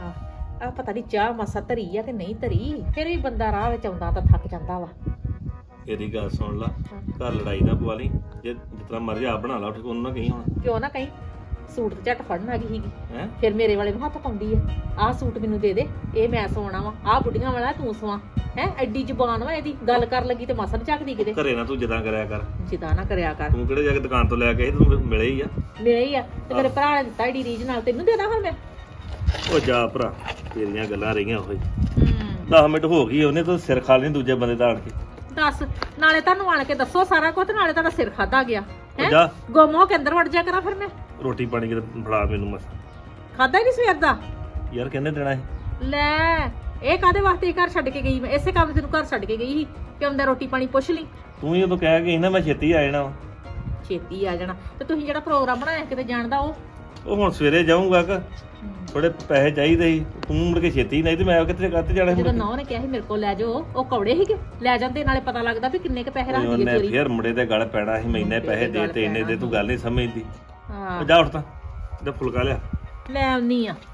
ਆ ਪਤਾ ਨਹੀਂ ਚਾਹ ਮਸਾ ਧਰੀ ਆ ਕਿ ਨਹੀਂ ਧਰੀ, ਫਿਰ ਵੀ ਬੰਦਾ ਰਾਹ ਵਿੱਚ ਆਉਂਦਾ ਤਾਂ ਥੱਕ ਜਾਂਦਾ ਵਾ। ਇਹਦੀ ਗੱਲ ਸੁਣ ਲਾ, ਘਰ ਲੜਾਈ ਨਾ ਪਵਾ ਲਈ। ਜੇ ਜਿਤਨਾ ਮਰਜ਼ੀ ਆਪ ਬਣਾ ਲਾ, ਉੱਠ ਕੇ ਉਹਨੂੰ ਨਾ ਕਹੀਂ ਹੁਣ। ਕਿਉਂ ਨਾ ਕਹੀਂ, ਸੂਟ ਤੇ ਝੱਟ ਫੜਨ ਆ ਗਈ ਸੀਗੀ, ਹੈ ਫਿਰ ਮੇਰੇ ਵਾਲੇ ਨੂੰ ਹੱਥ ਪਾਉਂਦੀ ਆ। ਆਹ ਸੂਟ ਮੈਨੂੰ ਦੇ ਦੇ, ਇਹ ਮੈਂ ਸਵਾਉਣਾ ਵਾ। ਆਹ ਬੁੱਢੀਆਂ ਵਾਲਾ ਤੂੰ ਸਵਾ ਹੈ। ਐਡੀ ਜ਼ੁਬਾਨ ਵਾ ਇਹਦੀ, ਗੱਲ ਕਰ ਲੱਗੀ ਤੇ ਮਸਾ ਨੀ ਝੱਕਦੀ ਕਿਤੇ। ਘਰੇ ਨਾ ਤੂੰ ਜਿੱਦਾਂ ਕਰਿਆ ਕਰ। ਜਿੱਦਾਂ ਨਾ ਕਰਿਆ ਕਰ। ਤੂੰ ਕਿਹੜੇ ਜਾ ਕੇ ਦੁਕਾਨ ਤੋਂ ਲੈ ਕੇ ਆਈ, ਤੂੰ ਮਿਲੇ ਹੀ ਆ। ਮੇਰੇ ਹੀ ਆ, ਤੇ ਮੇਰੇ ਭਰਾ ਨੇ ਦਿੱਤਾ ਏਡੀ ਰੀਝ ਨਾਲ, ਤੈਨੂੰ ਦੇਣਾ ਹੁਣ ਮੈਂ। ਉਹ ਜਾ ਭਰਾ, ਤੇਰੀਆਂ ਗੱਲਾਂ ਰਹੀਆਂ ਉਹੀ। 10 ਮਿੰਟ ਹੋ ਗਈ, ਉਹਨੇ ਤਾਂ ਸਿਰ ਖਾ ਲੈਣੀ ਦੂਜੇ ਬੰਦੇ ਦਾ ਆਣ ਕੇ। ਦੱਸ, ਨਾਲੇ ਤੁਹਾਨੂੰ ਆਣ ਕੇ ਦੱਸੋ ਸਾਰਾ ਕੁਝ, ਨਾਲੇ ਤੁਹਾਡਾ ਸਿਰ ਖਾਦਾ ਗਿਆ ਹੈ। ਜਾ ਗੁੰਮ ਹੋ ਕੇ ਅੰਦਰ ਵੜ ਜਾ ਕਰਾਂ ਫਿਰ ਮੈਂ। ਰੋਟੀ ਪਾਣੀ ਕਿਤੇ ਫੜਾ ਮੈਨੂੰ ਮਸ। ਖਾਦਾ ਹੀ ਨਹੀਂ ਸਵੇਰ ਦਾ। ਯਾਰ ਕਹਿੰਦੇ ਦੇਣਾ ਹੈ। ਲੈ ਇਹ ਕਾਦੇ ਵਾਸਤੇ ਘਰ ਛੱਡ ਕੇ ਗਈ ਮੈਂ? ਇਸੇ ਕੰਮ ਤੇ ਤੈਨੂੰ ਘਰ ਛੱਡ ਕੇ ਗਈ ਸੀ ਕਿ ਆਉਂਦਾ ਰੋਟੀ ਪਾਣੀ ਪੁੱਛ ਲਈ। ਤੂੰ ਹੀ ਉਦੋਂ ਕਹਿ ਗਈ ਨਾ ਮੈਂ ਛੇਤੀ ਆ ਜਾਣਾ ਵਾ। ਛੇਤੀ ਆ ਜਾਣਾ ਤੇ ਤੁਸੀਂ ਜਿਹੜਾ ਪ੍ਰੋਗਰਾਮ ਬਣਾਇਆ ਕਿਤੇ ਜਾਣ ਦਾ ਉਹ ਹੁਣ ਸਵੇਰੇ ਜਾਊਂਗਾ ਕਿ ਥੋੜੇ ਪੈਸੇ ਚਾਹੀਦੇ ਸੀ, ਤੂੰ ਮੁੜ ਕੇ ਛੇਤੀ ਨਹੀਂ ਤੇ ਮੈਂ ਕਿੱਥੇ ਜਾਣਾ ਸੀ? ਜਦੋਂ ਨੌ ਨੇ ਕਿਹਾ ਸੀ ਮੇਰੇ ਕੋਲ ਲੈ ਜਾਓ, ਉਹ ਕੌੜੇ ਸੀਗੇ, ਲੈ ਜਾਂਦੇ ਨਾਲੇ ਪਤਾ ਲੱਗਦਾ ਵੀ ਕਿੰਨੇ ਕ ਪੈਸੇ ਰੱਖਦੀ ਹੈ ਉਹਨੇ ਚੋਰੀ। ਫੇਰ ਮੁੰਡੇ ਦੇ ਗਲ ਪੈਣਾ ਸੀ, ਮੈਨੇ ਪੈਸੇ ਦੇ ਤੇ ਇੰਨੇ ਦੇ, ਤੂੰ ਗੱਲ ਨਹੀਂ ਸਮਝਦੀ। ਹਾਂ ਉਹ ਜਾ ਉੱਠ ਤਾਂ ਤੇ ਫੁਲਕਾ ਲਿਆ। ਲੈ ਆਉਣੀ ਆ।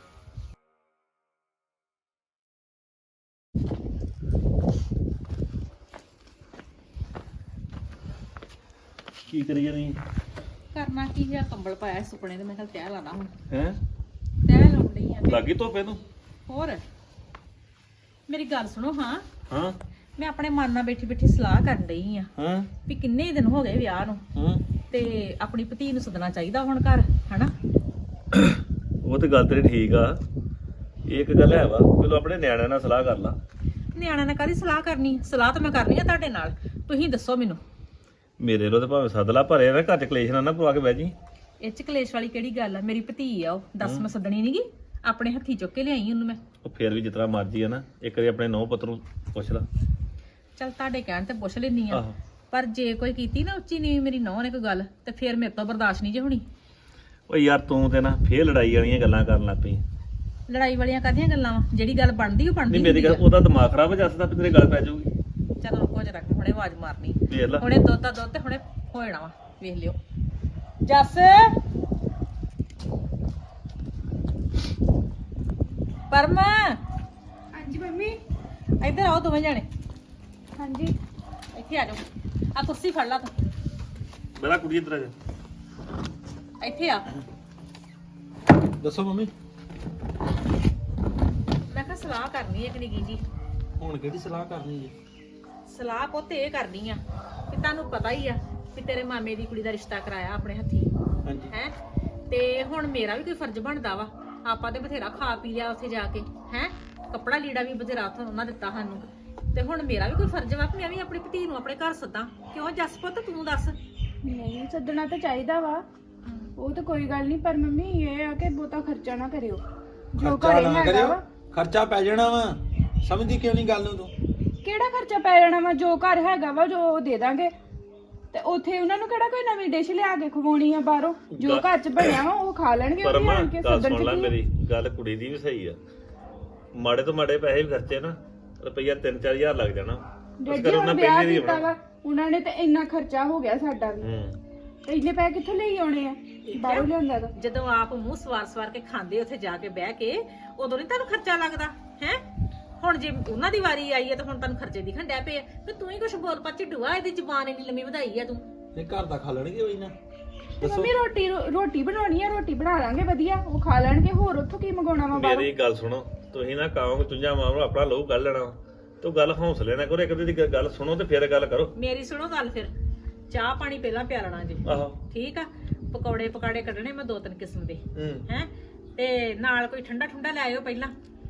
ਕੀ ਕਰੀ ਜਾਨੀ ਕਰਨਾ ਕੀ ਹੈ, ਕੰਬਲ ਪਾਇਆ ਸੀ ਸੁਪਨੇ ਤੇ ਮੈਂ ਕਿਹਾ ਤੈਅ ਲਾਣਾ ਹੁਣ। ਹੈ? ਤੈਅ ਲਾਉਣੀ ਆ। ਲੱਗੀ ਧੋਪੇ ਨੂੰ? ਹੋਰ ਮੇਰੀ ਗੱਲ ਸੁਣੋ। ਹਾਂ ਹਾਂ ਮੈਂ ਆਪਣੇ ਮਨ ਨਾਲ ਬੈਠੀ ਬੈਠੀ ਸਲਾਹ ਕਰਨ ਡਈ ਆ ਹਾਂ ਵੀ ਕਿੰਨੇ ਦਿਨ ਹੋ ਗਏ ਵਿਆਹ ਨੂੰ ਹਾਂ। ਤੇ ਆਪਣੀ ਭਤੀ ਨੂੰ ਸੱਦਣਾ ਚਾਹੀਦਾ ਹੁਣ ਘਰ, ਹਨਾ? ਉਹ ਤੇ ਗੱਲ ਤੇਰੀ ਠੀਕ ਆ। ਇੱਕ ਗੱਲ ਹੈ ਵਾ, ਪਹਿਲਾਂ ਆਪਣੇ ਨਿਆਣਿਆਂ ਨਾਲ ਸਲਾਹ ਕਰ ਲਾ। ਨਿਆਣਿਆਂ ਨਾਲ ਕਾਹਦੀ ਸਲਾਹ ਕਰਨੀ? ਸਲਾਹ ਤਾਂ ਮੈਂ ਕਰਨੀ ਆ ਤੁਹਾਡੇ ਨਾਲ। ਤੁਸੀਂ ਦੱਸੋ ਮੈਨੂੰ। ਮੇਰੇ ਲੋ ਤੇ ਭਾਵੇਂ ਸੱਦ ਲਾ, ਭਰੇ ਨਾ ਘਰ ਚ ਕਲੇਸ਼ ਨਾ ਪਵਾ ਕੇ ਬਹਿ ਜੀ। ਇਹ ਚ ਕਲੇਸ਼ ਵਾਲੀ ਕਿਹੜੀ ਗੱਲ ਆ? ਮੇਰੀ ਭਤੀ ਆ ਉਹ, ਦੱਸ ਮੈਂ ਸੱਦਣੀ ਨਹੀਂਗੀ? ਆਪਣੇ ਹੱਥੀ ਚੁੱਕ ਕੇ ਲਿਆਈ ਉਹਨੂੰ ਮੈਂ। ਉਹ ਫੇਰ ਵੀ ਜਿਤਨਾ ਮਰਜੀ ਆ ਨਾ, ਇੱਕ ਵਾਰੀ ਆਪਣੇ ਨੌ ਪੁੱਤ ਨੂੰ ਪੁੱਛ ਲਾ। ਚੱਲ ਤੁਹਾਡੇ ਕਹਿਣ ਤੇ ਪੁੱਛ ਲੈਣੀ ਆ, ਆਹੋ। ਪਰ ਜੇ ਕੋਈ ਕੀਤੀ ਨਾ ਉੱਚੀ ਨੀਵੀਂ ਮੇਰੀ ਨੌਂ ਨੇ ਕੋਈ ਗੱਲ, ਤੇ ਫੇਰ ਮੇਰੇ ਤੋਂ ਬਰਦਾਸ਼ਤ ਨਹੀਂ ਜੇ ਹੋਣੀ। ਓ ਯਾਰ ਤੂੰ ਤੇ ਨਾ ਫੇਰ ਲੜਾਈ ਵਾਲੀਆਂ ਗੱਲਾਂ ਕਰਨ ਲੱਗ ਪਈ। ਲੜਾਈ ਵਾਲੀਆਂ ਕਾਹਦੀਆਂ ਗੱਲਾਂ ਵਾ? ਜਿਹੜੀ ਗੱਲ ਬਣਦੀ ਉਹ ਬਣਦੀ ਨਹੀਂ ਮੇਰੀ ਗੱਲ, ਹੁੰਦੀ ਆ। ਉਹਦਾ ਦਿਮਾਗ ਖਰਾਬ ਹੋ ਜਾਂਦਾ ਤੇ ਤੇਰੇ ਗੱਲ ਪੈ ਜਾਊਗੀ। ਚੱਲ ਰੁਕੋ ਜਰਾ, ਹੁਣੇ ਆਵਾਜ਼ ਮਾਰਨੀ। ਵੇਖ ਲਾ। ਹੁਣੇ ਦੁੱਧ ਦਾ ਦੁੱਧ ਤੇ ਹੁਣੇ ਹੋ ਜਾਣਾ ਵਾ, ਵੇਖ ਲਿਓ। ਜੱਸ ਪਰਮ, ਹਾਂਜੀ ਮੰਮੀ। ਇੱਧਰ ਆਓ ਦੋਵੇਂ ਜਾਣੇ, ਹਾਂਜੀ ਇੱਥੇ ਆ ਜਾਓ। ਆ ਕੁਰਸੀ ਫੜ ਲਾ ਤੂੰ, ਮੇਰਾ ਕੁੜੀ ਇੱਧਰ ਆ ਜਾ। ਇੱਥੇ ਆ। ਦੱਸੋ ਮੰਮੀ। ਮੈਂ ਕਿਹਾ ਸਲਾਹ ਕਰਨੀ ਹੈ ਕਿ ਨਿੱਕੀ ਜੀ। ਹੁਣ ਕਿਹੜੀ ਸਲਾਹ ਕਰਨੀ ਜੀ? ਸਲਾਹ ਪੁੱਤ ਇਹ ਕਰਨੀ ਆ ਕਿ ਤੁਹਾਨੂੰ ਪਤਾ ਹੀ ਆ ਕਿ ਤੇਰੇ ਮਾਮੇ ਦੀ ਕੁੜੀ ਦਾ ਰਿਸ਼ਤਾ ਕਰਾਇਆ ਆਪਣੇ ਹੱਥੀ, ਹਾਂਜੀ। ਹੈ? ਤੇ ਹੁਣ ਮੇਰਾ ਵੀ ਕੋਈ ਫਰਜ਼ ਬਣਦਾ ਵਾ। ਆਪਾਂ ਤੇ ਬਥੇਰਾ ਖਾ ਪੀ ਲਿਆ ਉੱਥੇ ਜਾ ਕੇ, ਹੈ? ਕੱਪੜਾ ਲੀੜਾ ਵੀ ਬਥੇਰਾ ਉੱਥੋਂ ਉਹਨਾਂ ਦਿੱਤਾ ਸਾਨੂੰ, ਤੇ ਹੁਣ ਮੇਰਾ ਵੀ ਕੋਈ ਫਰਜ਼ ਵਾ ਕਿ ਮੈਂ ਵੀ ਆਪਣੀ ਭਤੀ ਨੂੰ ਆਪਣੇ ਘਰ ਸੱਦਾਂ। ਕਿਉਂ ਜੱਸ ਪੁੱਤ, ਤੂੰ ਦੱਸ। ਨਹੀਂ ਸੱਦਣਾ ਤਾਂ ਚਾਹੀਦਾ ਵਾ, ਉਹ ਤਾਂ ਕੋਈ ਗੱਲ ਨਹੀਂ, ਪਰ ਮੰਮੀ ਇਹ ਆ ਕਿ ਬਹੁਤਾ ਖਰਚਾ ਨਾ ਕਰਿਓ। ਜੋ ਖਰਚਾ ਘਰੇ ਨਾ ਹੈਗਾ ਕਰਿਓ, ਵਾ। ਖਰਚਾ ਪੈ ਜਾਣਾ ਵਾ। ਸਮਝਦੀ ਕਿਉਂ ਨਹੀਂ ਗੱਲ ਨੂੰ ਤੂੰ? ਕਿਹੜਾ ਖਰਚਾ ਪੈ ਜਾਣਾ ਵਾ? ਜੋ ਘਰ ਹੈਗਾ ਵਾ ਜੋ ਉਹ ਦੇ ਦਾਂਗੇ, ਤੇ ਉੱਥੇ ਉਹਨਾਂ ਨੂੰ ਕਿਹੜਾ ਕੋਈ ਨਵੀਂ ਡਿਸ਼ ਲਿਆ ਕੇ ਖਵਾਉਣੀ ਆ ਬਾਹਰੋਂ? ਜੋ ਘਰ 'ਚ ਬਣਿਆ ਵਾ ਉਹ ਖਾ ਲੈਣਗੇ। ਪਰ ਉਹ ਮਾਂ ਆਣ ਕੇ ਗੱਲ ਸੱਦਣ ਸੁਣ ਲੈ, 'ਚ ਕੀ ਆ? ਮੇਰੀ ਗੱਲ ਕੁੜੀ ਦੀ ਵੀ ਸਹੀ ਆ। ਮਾੜੇ ਤੋਂ ਮਾੜੇ ਪੈਸੇ ਵੀ ਖਰਚੇ ਨਾ, ਰੁਪਈਆ 3-4 ਹਜ਼ਾਰ ਲੱਗ ਜਾਣਾ। ਉਸ ਡੈਡੀ ਕਰ ਹੁਣ ਉਹਨਾਂ ਵਿਆਹ ਪਹਿਲੇ ਦੀ ਕੀਤਾ ਵਾ, ਉਹਨਾਂ ਨੇ ਤੇ ਇੰਨਾ ਖਰਚਾ ਹੋ ਗਿਆ ਸਾਡਾ ਵੀ, ਤੇ ਇੰਨੇ ਪੈਸੇ ਕਿੱਥੋਂ ਲਈ ਆਉਣੇ ਆ? ਬਾਹਰੋਂ ਲਿਆਂਦਾ ਤਾਂ। ਜਦੋਂ ਆਪ ਮੂੰਹ ਸਵਾਰ ਕੇ ਖਾਂਦੇ ਉੱਥੇ ਜਾ ਕੇ ਬਹਿ ਕੇ, ਉਦੋਂ ਨਹੀਂ ਤੁਹਾਨੂੰ ਖਰਚਾ ਲੱਗਦਾ ਹੈ? ਹੁਣ ਜੇ ਉਹਨਾਂ ਦੀ ਵਾਰੀ ਆਈ ਹੈ ਤਾਂ ਹੁਣ ਤੁਹਾਨੂੰ ਖਰਚੇ ਦਿਖਣ ਡੈ ਪਏ ਆ। ਤੇ ਤੂੰ ਹੀ ਕੁਛ ਬੋਲ ਪਾ ਝਿੱਡੂਆ, ਇਹਦੀ ਜ਼ੁਬਾਨ ਇੰਨੀ ਲੰਮੀ ਵਧਾਈ ਆ ਤੂੰ। ਇਹ ਘਰ ਦਾ ਖਾ ਲੈਣਗੇ ਹੋਈ ਨਾ। ਤੇ ਮੰਮੀ ਰੋਟੀ ਬਣਾਉਣੀ ਆ, ਰੋਟੀ ਬਣਾ ਲਾਂਗੇ ਵਧੀਆ, ਉਹ ਖਾ ਲੈਣਗੇ। ਹੋਰ ਉੱਥੋਂ ਕੀ ਮੰਗਾਉਣਾ ਵਾ ਬਾਹਰੋਂ? ਮੇਰੀ ਗੱਲ ਸੁਣੋ, ਤੁਸੀਂ ਨਾ ਕਾਹੋਂ ਚੁੰਝਾ ਮਾਰੋ, ਆਪਣਾ ਲਹੂ ਕੱਢ ਲੈਣਾ। ਤੂੰ ਗੱਲ ਹੌਸਲੇ ਨਾ ਕਰੋ, ਇੱਕ ਦੂਜੇ ਦੀ ਗੱਲ ਸੁਣੋ ਤੇ ਫਿਰ ਗੱਲ ਕਰੋ। ਮੇਰੀ ਸੁਣੋ ਗੱਲ, ਫਿਰ ਚਾਹ ਪਾਣੀ ਪਹਿਲਾਂ ਪਿਆਲਣਾ ਜੀ, ਆਹੋ। ਠੀਕ ਆ? ਪਕੌੜੇ ਪਕਾੜੇ ਕੱਢਣੇ ਮੈਂ 2-3 ਕਿਸਮ ਦੇ, ਹੈ? ਤੇ ਨਾਲ ਕੋਈ ਠੰਡਾ ਠੰਡਾ ਲੈ ਆਇਓ ਪਹਿਲਾਂ,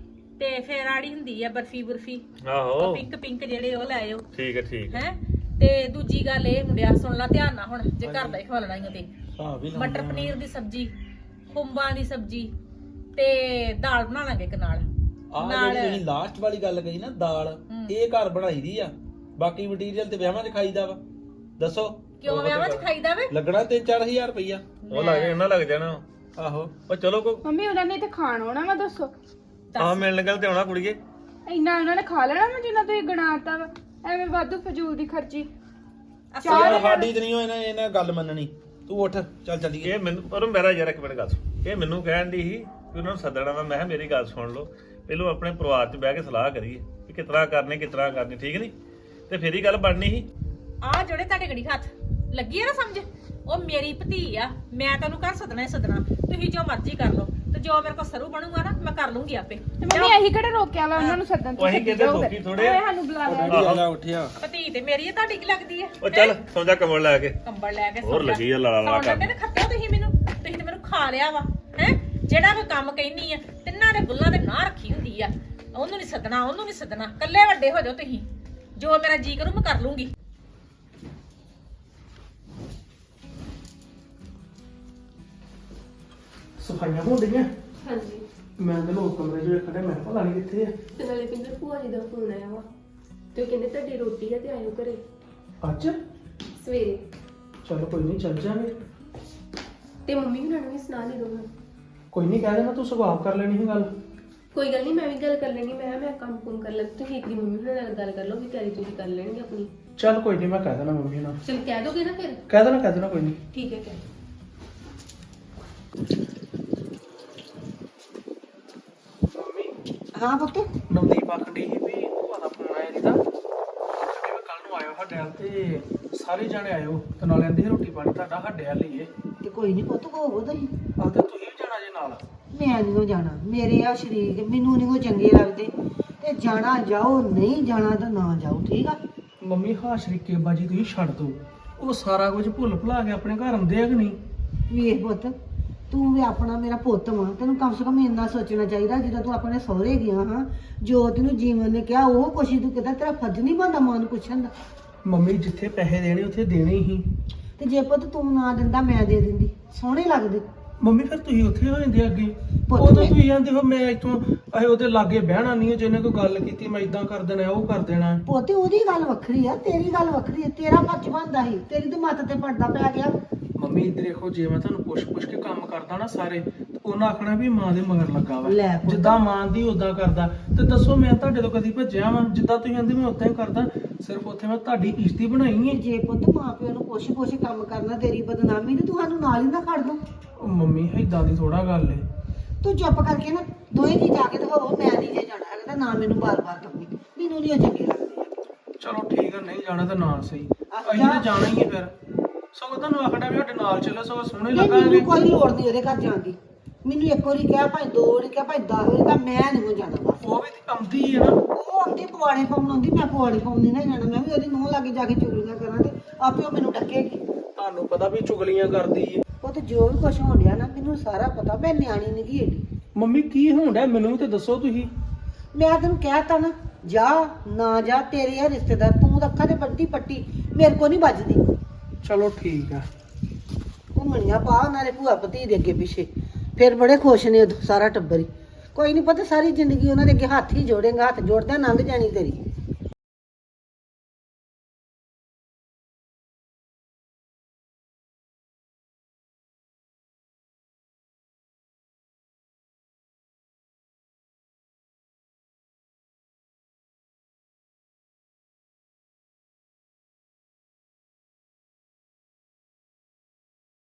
ਤੇ ਫੇਰ ਆੜੀ ਹੁੰਦੀ ਆ ਬਰਫੀ ਬਰਫੀ, ਆਹੋ ਪਿੰਕ ਜਿਹੜੇ ਉਹ ਲੈ ਆਇਓ। ਠੀਕ ਹੈ ਠੀਕ ਹੈ। ਹੈ? ਤੇ ਦੂਜੀ ਗੱਲ ਇਹ ਮੁੰਡਿਆ, ਸੁਣ ਲੈ ਧਿਆਨ ਨਾਲ, ਹੁਣ ਜੇ ਘਰ ਦਾ ਹੀ ਖਵਾਲਣਾ ਹੀ ਤੇ ਹਾਂ ਵੀ ਮਟਰ ਪਨੀਰ ਦੀ ਸਬਜ਼ੀ, ਖੁੰਬਾਂ ਦੀ ਸਬਜ਼ੀ, ਤੇ ਦਾਲ ਬਣਾ ਲਾਂਗੇ ਇੱਕ ਨਾਲ। ਆਹ ਜਿਹੜੀ ਤੁਸੀਂ ਲਾਸਟ ਵਾਲੀ ਗੱਲ ਕਹੀ ਨਾ, ਦਾਲ, ਇਹ ਘਰ ਬਣਾਈ ਦੀ ਆ। ਬਾਕੀ ਮਟੀਰੀਅਲ ਤੇ ਵਿਆਹਾਂ 'ਚ ਖਾਈਦਾ ਵਾ। ਦੱਸੋ ਕਿਉਂ ਵਿਆਹਾਂ 'ਚ ਖਾਈਦਾ ਵੇ? ਲੱਗਣਾ 3-4 ਹਜ਼ਾਰ ਰੁਪਈਆ। ਉਹ ਲੱਗ ਜਾਣਾ, ਲੱਗ ਜਾਣਾ। ਆਹੋ। ਉਹ ਚਲੋ ਕੋ ਮੰਮੀ ਉਹਨਾਂ ਨੇ ਤੇ ਖਾਣ ਆਉਣਾ ਵਾ, ਦੱਸੋ ਆਹ ਮਿਲਣ ਗੱਲ ਤੇ ਆਉਣਾ ਕੁੜੀਏ। ਇੰਨਾ ਉਹਨਾਂ ਨੇ ਖਾ ਲੈਣਾ ਵਾ ਜਿੰਨਾ ਤੁਸੀਂ ਗਣਾਤਾ ਵਾ? ਐਵੇਂ ਵਾਧੂ ਫਜ਼ੂਲ ਦੀ ਖਰਚੀ। ਯਾਰ ਸਾਡੀ ਤੇ ਨਹੀਂ ਇਹਨਾਂ ਗੱਲ ਮੰਨਣੀ। ਤੂੰ ਉੱਠ, ਚੱਲ ਚੱਲੀਏ। ਇਹ ਮੈਨੂੰ ਪਰ ਮੇਰਾ ਯਾਰ ਇੱਕ ਮਿੰਟ ਗੱਲ ਸੁਣ। ਇਹ ਮੈਨੂੰ ਕਹਿਣ ਦੀ ਸੀ ਕਿ ਉਹਨਾਂ ਨੂੰ ਸੱਦਣਾ ਵਾ। ਮੈਂ ਕਿਹਾ ਮੇਰੀ ਗੱਲ ਸੁਣ ਲਓ, ਪਹਿਲੋਂ ਆਪਣੇ ਪਰਿਵਾਰ 'ਚ ਬਹਿ ਕੇ ਸਲਾਹ ਕਰੀਏ ਕਿ ਕਿਸ ਤਰ੍ਹਾਂ ਕਰਨੀ, ਠੀਕ ਨਹੀਂ? ਤੇ ਫੇਰ ਹੀ ਗੱਲ ਬਣਨੀ ਸੀ। ਆ ਜਿਹੜੇ ਤੁਹਾਡੇ ਗੜੀ ਹੱਥ ਲੱਗੀ ਆ ਨਾ ਸਮਝ, ਉਹ ਮੇਰੀ ਭਤੀ ਆ। ਮੈਂ ਤੈਨੂੰ ਘਰ ਸੱਦਣਾ ਹੀ ਸੱਦਣਾ, ਤੁਸੀਂ ਜੋ ਮਰਜ਼ੀ ਕਰ ਲਓ, ਤੇ ਜੋ ਮੇਰੇ ਕੋਲ ਸਰੂ ਬਣੂਗਾ ਨਾ ਮੈਂ ਕਰ ਲੂੰਗੀ ਆਪੇ। ਤੇ ਮੰਮੀ ਇਹੀ ਕਿਹੜਾ ਰੋਕਿਆ ਵਾ ਉਹਨਾਂ ਨੂੰ ਸੱਦਣ ਤੋਂ? ਉਹੀ ਕਹਿੰਦੇ ਲੋਕੀ ਥੋੜੇ ਆ। ਸਾਨੂੰ ਬੁਲਾ ਲਿਆ। ਡੈਡੀ ਆ ਉੱਠਿਆ। ਭਤੀ ਤੇ ਮੇਰੀ ਆ, ਤੁਹਾਡੀ ਕੀ ਲੱਗਦੀ ਆ? ਉਹ ਚੱਲ ਸੌਂ ਜਾ ਕੰਬਲ ਲੈ ਕੇ। ਕੰਬਲ ਲੈ ਕੇ ਹੋਰ ਸੌਂ ਜਾ। ਲੱਗੀ ਆ ਲਾਲਾ ਲਾਲਾ ਸੌਂ ਜਾਂਦੇ ਨੇ, ਖੱਤਿਓ ਤੁਸੀਂ ਮੈਨੂੰ, ਤੁਸੀਂ ਤੇ ਮੈਨੂੰ ਖਾ ਲਿਆ ਵਾ, ਹੈ? ਜਿਹੜਾ ਕੋਈ ਕੰਮ ਕਹਿਨੀ ਆ, ਤਿੰਨਾਂ ਦੇ ਬੁੱਲਾਂ ਦੇ ਨਾਂ ਰੱਖੀ ਹੁੰਦੀ ਆ। ਉਹਨੂੰ ਨਹੀਂ ਸੱਦਣਾ, ਉਹਨੂੰ ਨਹੀਂ ਸੱਦਣਾ, ਕੱਲੇ ਵੱਡੇ ਹੋ ਜਾਓ ਤੁਸੀਂ। ਜੋ ਮੇਰਾ ਜੀ ਕਰੂ ਮੈਂ ਕਰ ਲੂੰਗੀ। ਸਫਾਈਆਂ ਹੋ ਗਈਆਂ? ਹਾਂਜੀ ਮੈਂ ਤਾਂ ਲੋਕ ਕਮਰੇ 'ਚ ਵੇਖਣ ਡਿਆ, ਮੈਂ ਕਿਹਾ ਪਤਾ ਨਹੀਂ ਕਿੱਥੇ ਆ। ਤੇ ਨਾਲੇ ਪਿੰਦਰ ਭੂਆ ਜੀ ਦਾ ਫੋਨ ਆਇਆ ਵਾ ਤੇ ਉਹ ਕਹਿੰਦੇ ਤੁਹਾਡੀ ਰੋਟੀ ਆ ਤੇ ਆਇਓ ਘਰੇ ਅੱਜ ਸਵੇਰੇ। ਚਲੋ ਕੋਈ ਨਹੀਂ, ਚੱਲ ਜਾਵਾਂਗੇ। ਤੇ ਮੰਮੀ ਹੁਣਾਂ ਨੂੰ ਵੀ ਸੁਣਾ ਦੇ ਦੋ ਹੁਣ। ਕੋਈ ਨਹੀਂ, ਕਹਿ ਦੇਣਾ ਤੂੰ ਸਵਾਲ ਕਰ ਲੈਣੀ ਸੀ ਗੱਲ। ਕੋਈ ਗੱਲ ਨਹੀਂ, ਮੈਂ ਵੀ ਗੱਲ ਕਰ ਲੈਣੀ। ਮੈਂ ਕੰਮ ਕੁਮ ਕਰ ਲੈ, ਤੁਸੀਂ ਇੱਕ ਦੀ ਮੰਮੀ ਹੁਣਾਂ ਨਾਲ ਗੱਲ ਕਰ ਲਓ ਵੀ ਤਿਆਰੀ ਤੁਸੀਂ ਕਰ ਲੈਣਗੇ ਆਪਣੀ। ਚੱਲ ਕੋਈ ਨਹੀਂ, ਮੈਂ ਕਹਿ ਦੇਣਾ ਮੰਮੀ ਨਾਲ। ਚਲ ਕਹਿ ਦੋਗੇ ਨਾ ਫਿਰ? ਕਹਿ ਦੇਣਾ ਕੋਈ ਨਹੀਂ। ਠੀਕ ਹੈ ਕਹਿ। ਹਾਂ ਪੁੱਤ, ਨਵਦੀਪ ਆਖਣ ਡਈ ਸੀ ਵੀ ਭੂਆ ਦਾ ਫੋਨ ਆਇਆ ਜਿਹਦਾ ਕਿ ਕੱਲ ਨੂੰ ਆਇਓ ਸਾਡੇ ਵੱਲ ਤੇ ਸਾਰੇ ਜਾਣੇ ਆਇਓ ਤੇ ਨਾਲ ਕਹਿੰਦੇ ਸੀ ਰੋਟੀ ਪਾਣੀ ਤੁਹਾਡਾ ਸਾਡੇ ਵੱਲ ਹੀ ਏ। ਤੇ ਕੋਈ ਨਹੀਂ ਪੁੱਤ ਹੋਵੋ ਤੁਸੀਂ। ਆ ਤੇ ਤੁਸੀਂ ਵੀ ਜਾਣਾ ਜੇ ਨਾਲ। ਮੈਂ ਨਹੀਂ ਜਾਣਾ, ਮੇਰੇ ਆ ਸ਼ਰੀਕ ਮੈਨੂੰ ਨਹੀਂ ਉਹ ਚੰਗੇ ਲੱਗਦੇ ਤੇ ਜਾਣਾ ਜਾਓ, ਨਹੀਂ ਜਾਣਾ ਤਾਂ ਨਾ ਜਾਓ, ਠੀਕ ਆ। ਮੰਮੀ ਹਾਂ ਸ਼ਰੀਕੇ ਬਾਜੀ ਤੁਸੀਂ ਛੱਡ ਦੋ, ਉਹ ਸਾਰਾ ਕੁਝ ਭੁੱਲ ਭੁਲਾ ਕੇ ਆਪਣੇ ਘਰ ਆਉਂਦੇ ਆ ਕਿ ਨਹੀਂ? ਵੇਖ ਪੁੱਤ, ਤੂੰ ਵੀ ਆਪਣਾ ਮੇਰਾ ਪੁੱਤ ਵਾਂ, ਤੈਨੂੰ ਕਮ ਸੇ ਕਮ ਇੰਨਾ ਸੋਚਣਾ ਚਾਹੀਦਾ ਜਦੋਂ ਤੂੰ ਆਪਣੇ ਸਹੁਰੇ ਗਿਆ ਹਾਂ, ਜੋ ਤੈਨੂੰ ਜੀਵਨ ਨੇ ਕਿਹਾ ਉਹ ਕੁਛ ਹੀ ਤੂੰ ਕਿਹਾ, ਤੇਰਾ ਫਰਜ਼ ਨਹੀਂ ਬਣਦਾ ਮਾਂ ਨੂੰ ਪੁੱਛਣ ਦਾ। ਮੰਮੀ ਜਿੱਥੇ ਪੈਸੇ ਦੇਣੇ ਉੱਥੇ ਦੇਣੇ ਹੀ। ਤੇ ਜੇ ਪੁੱਤ ਤੂੰ ਨਾ ਦਿੰਦਾ ਮੈਂ ਦੇ ਦਿੰਦੀ, ਸੋਹਣੇ ਲੱਗਦੇ। ਮੰਮੀ ਫਿਰ ਤੁਸੀਂ ਉੱਥੇ ਹੋ ਜਾਂਦੇ ਅੱਗੇ। ਪੁੱਤ ਉਹ ਤਾਂ ਮੈਂ- ਤੁਸੀਂ ਜਾਂਦੇ ਹੋ ਮੈਂ ਇੱਥੋਂ ਅਸੀਂ ਉਹਦੇ ਲਾਗੇ ਬਹਿਣਾ ਨਹੀਂ, ਜਿਹਨੇ ਕੋਈ ਗੱਲ ਕੀਤੀ ਮੈਂ ਇਦਾਂ ਕਰ ਦੇਣਾ ਉਹ ਕਰ ਦੇਣਾ। ਪੁੱਤ ਉਹਦੀ ਗੱਲ ਵੱਖਰੀ ਆ, ਤੇਰੀ ਗੱਲ ਵੱਖਰੀ ਆ, ਤੇਰਾ ਫਰਜ਼ ਬਣਦਾ ਸੀ, ਤੇਰੀ ਤੇ ਮੱਤ ਤੇ ਪੜਦਾ ਪੈ ਗਿਆ। ਮੰਮੀ ਇੱਧਰ ਦੇਖੋ, ਜੇ ਮੈਂ ਤੁਹਾਨੂੰ ਪੁੱਛ ਕੇ ਕੰਮ ਕਰਦਾ ਨਾ ਸਾਰੇ ਤੇ ਉਹਨਾਂ ਆਖਣਾ ਵੀ ਮਾਂ ਦੇ ਮਗਰ ਲੱਗਾ ਵਾ। ਲੈ ਪੁੱਤ। ਜਿੱਦਾਂ ਮਾਂ ਦੀ ਉਦਾਂ ਕਰਦਾ। ਤੇ ਦੱਸੋ ਮੈਂ ਤੁਹਾਡੇ ਤੋਂ ਕਦੀ ਭੱਜਿਆ ਵਾਂ? ਜਿੱਦਾਂ ਤੁਸੀਂ ਕਹਿੰਦੇ ਮੈਂ ਉਦਾਂ ਹੀ ਕਰਦਾ। ਸਿਰਫ ਉੱਥੇ ਮੈਂ ਤੁਹਾਡੀ ਇੱਜ਼ਤ ਹੀ ਬਣਾਈ ਤੇ ਹੈ। ਜੇ ਪੁੱਤ ਮਾਂ ਪਿਓ ਨੂੰ ਪੁੱਛ ਕੰਮ ਕਰਨਾ ਤੇਰੀ ਬਦਨਾਮੀ ਤੇ ਤੁਹਾਨੂੰ ਨਾਲ ਹੀ ਨਾ ਖੜ ਦੋ। ਉਹ ਮੰਮੀ ਏਦਾਂ ਦੀ ਥੋੜਾ ਗੱਲ ਏ। ਤੂੰ ਚੁੱਪ ਕਰਕੇ ਨਾ ਦੋਵੇਂ ਜੀ ਜਾ ਕੇ ਤੇ ਹੋਵੋ, ਮੈਂ ਨਹੀਂ ਜੇ ਜਾਣਾ ਹੈਗਾ ਤੇ ਨਾ ਮੈਨੂੰ ਬਾਰ-ਬਾਰ ਕਹੀ, ਮੈਨੂੰ ਨਹੀਂ ਉਹ ਚੰਗੇ ਲੱਗਦੇ। ਚਲੋ ਠੀਕ ਆ, ਨਹੀਂ ਜਾਣਾ ਤਾਂ ਨਾ ਸਹੀ, ਆਹ ਅਸੀਂ ਤਾਂ ਜਾਣਾ ਹੀ ਹੈ ਫਿਰ। ਸਗੋਂ ਤੁਹਾਨੂੰ ਆਖਣਾ ਵੀ ਸਾਡੇ ਨਾਲ ਚੱਲੋ, ਸਗੋਂ ਸੋਹਣੇ ਨਹੀਂ, ਲੱਗਾਂਗੇ। ਮੈਨੂੰ ਕੋਈ ਲੋੜ ਨਹੀਂ ਉਹਦੇ ਘਰ ਜਾਣ ਦੀ। ਮੈਨੂੰ ਇੱਕ ਵਾਰੀ ਕਿਹਾ ਭਾਵੇਂ 2 ਵਾਰੀ ਕਿਹਾ ਭਾਵੇਂ 10 ਵਾਰੀ ਕਿਹਾ, ਮੈਂ ਨਹੀਂ ਜਾਣਾ ਬਸ। ਉਹ ਵੀ ਤੇ ਆਉਂਦੀ ਹੈ ਨਾ। ਉਹ ਆਉਂਦੀ ਪਵਾੜੇ ਪਾਉਣ ਆਉਂਦੀ, ਮੈਂ ਪਵਾੜੇ ਪਾਉਣ ਨਹੀਂ ਨਾ ਜਾਣਾ। ਮੈਂ ਵੀ ਉਹਦੀ ਨੂੰਹ ਲਾਗੇ ਜਾ ਕੇ ਚੁਗਲੀਆਂ ਕਰਾਂ ਤੇ ਆਪੇ ਉਹ ਮੈਨੂੰ ਡੱਕੇਗੀ। ਤੁਹਾਨੂੰ ਪਤਾ ਵੀ ਚੁਗਲੀਆਂ ਕਰਦੀ ਏ। ਉਹ ਤੇ ਜੋ ਵੀ ਕੁਛ ਹੋਣ ਡਿਆ ਨਾ ਮੈਨੂੰ ਸਾਰਾ ਪਤਾ, ਮੈਂ ਨਿਆਣੀ ਨਹੀਂ ਗੀ ਏਡੀ। ਮੰਮੀ ਕੀ ਹੋਣ ਡਿਆ ਮੈਨੂੰ ਵੀ ਤੇ ਦੱਸੋ ਤੁਸੀਂ। ਮੈਂ ਤੈਨੂੰ ਕਹਿਤਾ ਨਾ, ਜਾ ਨਾ ਜਾ, ਤੇਰੇ ਆ ਰਿਸ਼ਤੇਦਾਰ, ਤੂੰ ਤਾਂ ਅੱਖਾਂ ਤੇ ਬੱਟੀ ਪੱਟੀ, ਮੇਰੇ ਕੋ ਨਹੀਂ ਵੱਜਦੀ। ਚਲੋ ਠੀਕ ਆ। ਘੁੰਮਣੀਆਂ ਪਾ ਉਹਨਾਂ ਦੇ ਭੂਆ ਭਤੀ ਦੇ ਅੱਗੇ ਪਿੱਛੇ, ਫਿਰ ਬੜੇ ਖੁਸ਼ ਨੇ ਉਦੋਂ ਸਾਰਾ ਟੱਬਰ ਹੀ। ਕੋਈ ਨਹੀਂ ਪਤਾ, ਸਾਰੀ ਜ਼ਿੰਦਗੀ ਉਹਨਾਂ ਦੇ ਅੱਗੇ ਹੱਥ ਹੀ ਜੋੜੇਗਾ, ਹੱਥ ਜੋੜਦਿਆਂ ਲੰਘ ਜਾਣੀ ਤੇਰੀ।